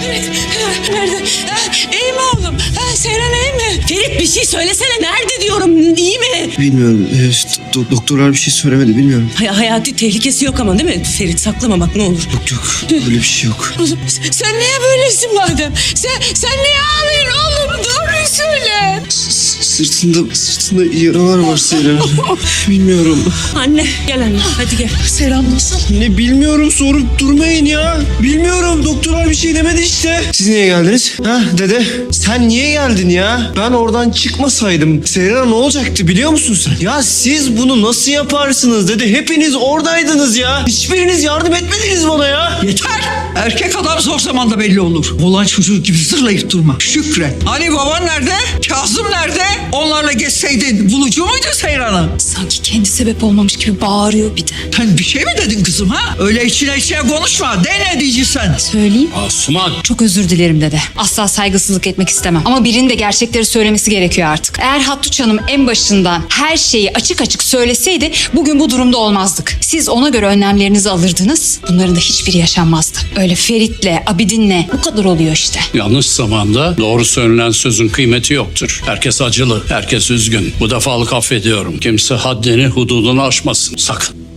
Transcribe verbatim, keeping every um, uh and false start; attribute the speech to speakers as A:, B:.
A: Ferit nerede? Ha, iyi mi oğlum? Ha, Seyran iyi mi? Ferit bir şey söylesene. Nerede diyorum? İyi mi?
B: Bilmiyorum. E, do- doktorlar bir şey söylemedi, bilmiyorum.
A: Hay hayati tehlikesi yok ama değil mi? Ferit saklamamak ne olur.
B: Yok yok. Öyle bir şey yok.
A: Oğlum sen niye böylesin madem? Sen, sen niye ağlıyorsun oğlum? Doğruyu söyle.
B: S- Sırtında, sırtında yaralar var Seyran. Bilmiyorum.
A: Anne gel anne hadi gel.
C: Seyran nasıl?
B: Ne bilmiyorum, sorup durmayın ya. Bilmiyorum, doktorlar bir şey demedi işte. Siz niye geldiniz? Ha dede? Sen niye geldin ya? Ben oradan çıkmasaydım Seyran ne olacaktı biliyor musun sen? Ya siz bunu nasıl yaparsınız dede? Hepiniz oradaydınız ya. Hiçbiriniz yardım etmediniz bana ya.
C: Yeter. Erkek adam zor zamanda belli olur. Olan çocuğu gibi zırlayıp durma. Şükret. Hani baban nerede? Kazım nerede? Onlarla geçseydin bulucu muydu Seyran'ı?
D: Sanki kendi sebep olmamış gibi bağırıyor bir de.
C: Sen bir şey mi dedin kızım ha? Öyle içine içine konuşma. De ne diyeceksin sen?
D: Söyleyeyim.
E: Asuman.
D: Çok özür dilerim dede. Asla saygısızlık etmek istemem. Ama birinin de gerçekleri söylemesi gerekiyor artık. Eğer Hattuç Hanım en başından her şeyi açık açık söyleseydi bugün bu durumda olmazdık. Siz ona göre önlemlerinizi alırdınız. Bunların da hiçbiri yaşanmazdı. Öyle Ferit'le, Abidin'le bu kadar oluyor işte.
E: Yanlış zamanda doğru söylenen sözün kıymeti yoktur. Herkes acılı, herkes üzgün. Bu defalık affediyorum. Kimse haddini, hududunu aşmasın. Sakın.